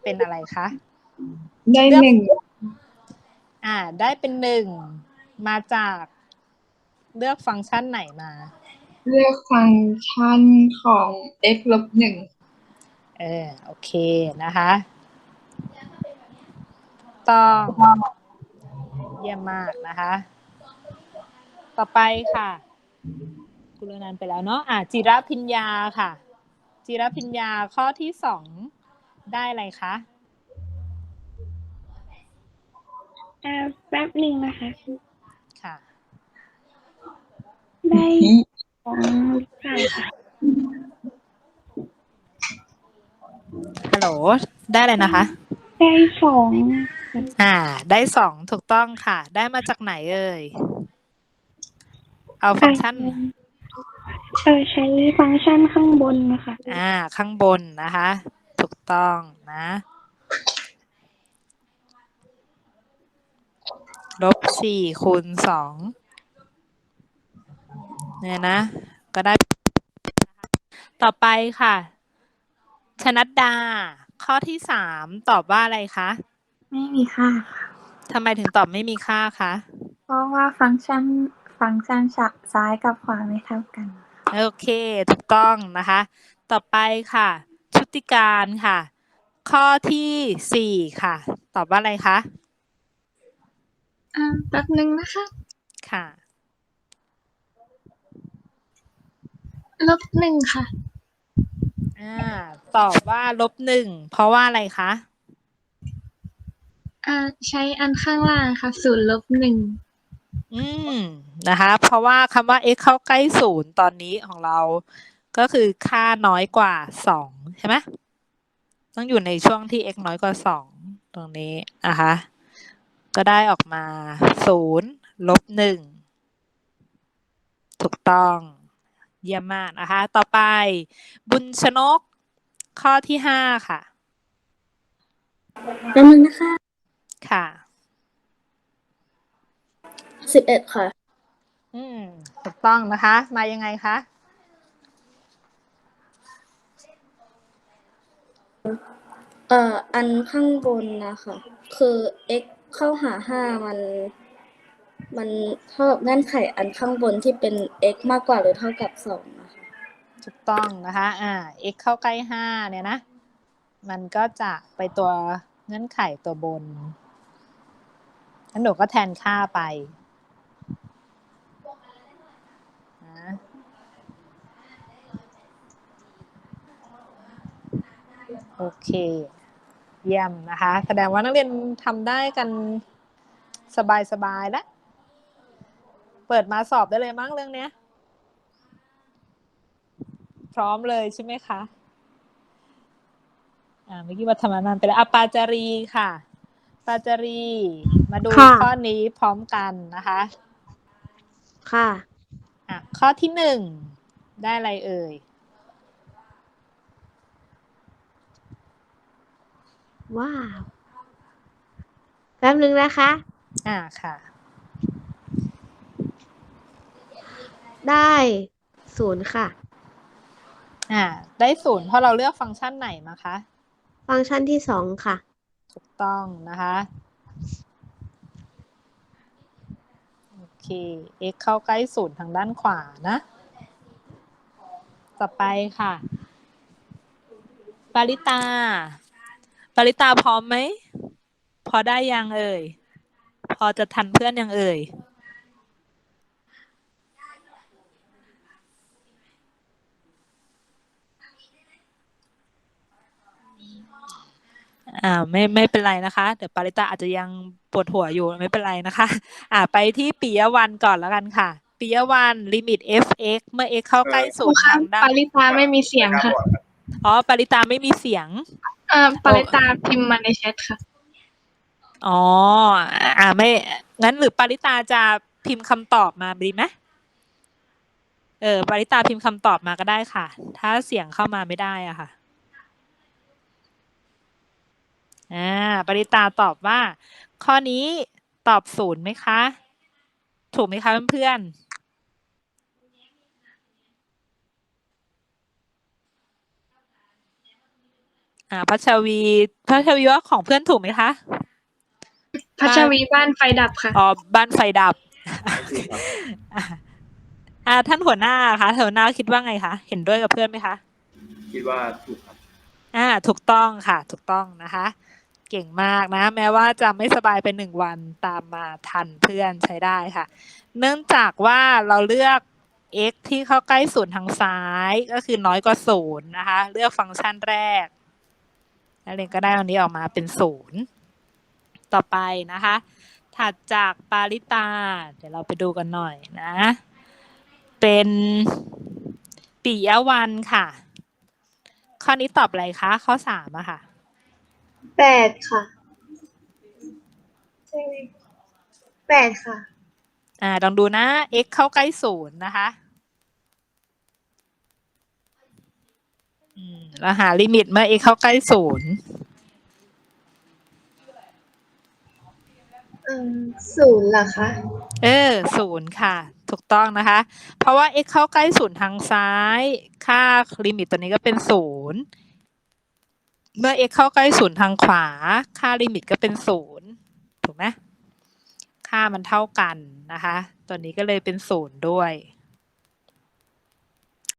เป็นอะไรคะได้เลือก 1 ได้เป็น1มาจากเลือกฟังก์ชันไหนมาเลือกฟังก์ชันของ x ลบ1 โอเคนะคะต้องเยี่ยมมากนะคะ ต่อไปค่ะกุลนันท์ไปแล้วเนาะจิรพิญญาค่ะ จิรพิญญาข้อที่2ได้อะไรคะแป๊บหนึ่งนะคะค่ะได้2หรือเปล่าคะฮัลโหล ได้อะไรนะคะได้2 ได้2ถูกต้องค่ะ ได้มาจากไหนเอ่ย เอาฟังก์ชันใช้ฟังก์ชันข้างบนนะคะข้างบนนะคะ ถูกต้องนะ-4 คูณ 2เนี่ยนะ ก็ได้ ต่อไปค่ะ ชนัดดา ข้อที่3ตอบว่าอะไรคะไม่มีค่าค่ะทำไมถึงตอบไม่มีค่าคะเพราะว่าฟังก์ชันซ้ายกับขวาไม่เท่ากันโอเค ถูกต้องนะคะ ต่อไปค่ะ ชุติการค่ะ ข้อที่4ค่ะ ตอบว่าอะไรคะแป๊บนึงนะคะค่ะลบ1ค่ะตอบว่า-1เพราะว่าอะไรคะใช้อันข้างล่างค่ะ0 ลบ 1 นะคะ เพราะว่าคำว่า x เข้าใกล้0ตอนนี้ของเราก็คือค่าน้อยกว่า2ใช่ไหมต้องอยู่ในช่วงที่ x น้อยกว่า2ตรงนี้นะคะก็ได้ออกมา0 ลบ 1ถูกต้องเยี่ยมมากนะคะต่อไปบุญชนกข้อที่5ค่ะแป๊บนึงนะคะค่ะ 11 ค่ะถูกต้องนะคะ มายังไงคะอันข้างบนนะคะ คือ x เข้าหา5มันเท่ากับเงื่อนไขอันข้างบนที่เป็น x มากกว่าหรือเท่ากับ2นะคะถูกต้องนะคะ x เข้าใกล้5เนี่ยนะ มันก็จะไปตัวเงื่อนไขตัวบนงั้นหนูก็แทนค่าไปนะโอเค เยี่ยมนะคะ แสดงว่านักเรียนทำได้กันสบายๆแล้ว เปิดมาสอบได้เลยมั้งเรื่องเนี้ย พร้อมเลยใช่ไหมคะเมื่อกี้วัฒนานไปแล้วปาจารีค่ะปาจารีมาดูข้อนี้พร้อมกันนะคะค่ะข้อที่1ได้อะไรเอ่ยว้าวแป๊บนึงนะคะค่ะได้0ค่ะได้0เพราะเราเลือกฟังก์ชันไหนมาคะฟังก์ชันที่2ค่ะถูกต้องนะคะโอเค x เข้าใกล้0ทางด้านขวานะต่อไปค่ะปาริตาพร้อมไหมพอได้ยังเอ่ยพอจะทันเพื่อนยังเอ่ยไม่เป็นไรนะคะเดี๋ยวปาริตาอาจจะยังปวดหัวอยู่ไม่เป็นไรนะคะไปที่ปิยวรรณก่อนแล้วกันค่ะปิยวรรณลิมิต f(x) เมื่อ x เข้าใกล้0ทางด้านปาริตาไม่มีเสียงค่ะปาริตาไม่มีเสียงปาริตาพิมพ์มาในแชทค่ะไม่งั้นหรือปาริตาจะพิมพ์คำตอบมาดีไหมปาริตาพิมพ์คำตอบมาก็ได้ค่ะถ้าเสียงเข้ามาไม่ได้อะค่ะปริตาตอบว่าข้อนี้ตอบ0ไหมคะถูกไหมคะเพื่อนพัชวีว่าของเพื่อนถูกไหมคะพัชวีบ้านไฟดับค่ะอ๋อบ้านไฟดับถูกครับท่านหัวหน้าคะหัวหน้าคิดว่าไงคะเห็นด้วยกับเพื่อนไหมคะคิดว่าถูกครับถูกต้องค่ะถูกต้องนะคะ เก่งมากนะ แม้ว่าจะไม่สบายไป1 วันตามมาทันเพื่อนใช้ได้ค่ะ เนื่องจากว่าเราเลือก x ที่เข้าใกล้ศูนย์ทางซ้ายก็คือน้อยกว่า0นะคะ เลือกฟังก์ชันแรกนักเรียนก็ได้อันนี้ออกมาเป็น0ต่อไปนะคะ ถัดจากปาริตา เดี๋ยวเราไปดูกันหน่อยนะ เป็นปิยวรรณค่ะ ข้อนี้ตอบอะไรคะ ข้อ3อะค่ะ 8 ค่ะ ใช่ไหม8 ค่ะลองดูนะ x เข้าใกล้0นะคะเราหาลิมิตเมื่อ x เข้าใกล้0 0 เหรอคะ 0ค่ะ ถูกต้องนะคะ เพราะว่า x เข้าใกล้0ทางซ้าย ค่าลิมิตตัวนี้ก็เป็น0เมื่อ x เข้าใกล้0ทางขวา ค่าลิมิตก็เป็น0ถูกไหมค่ามันเท่ากันนะคะ ตัวนี้ก็เลยเป็น0ด้วย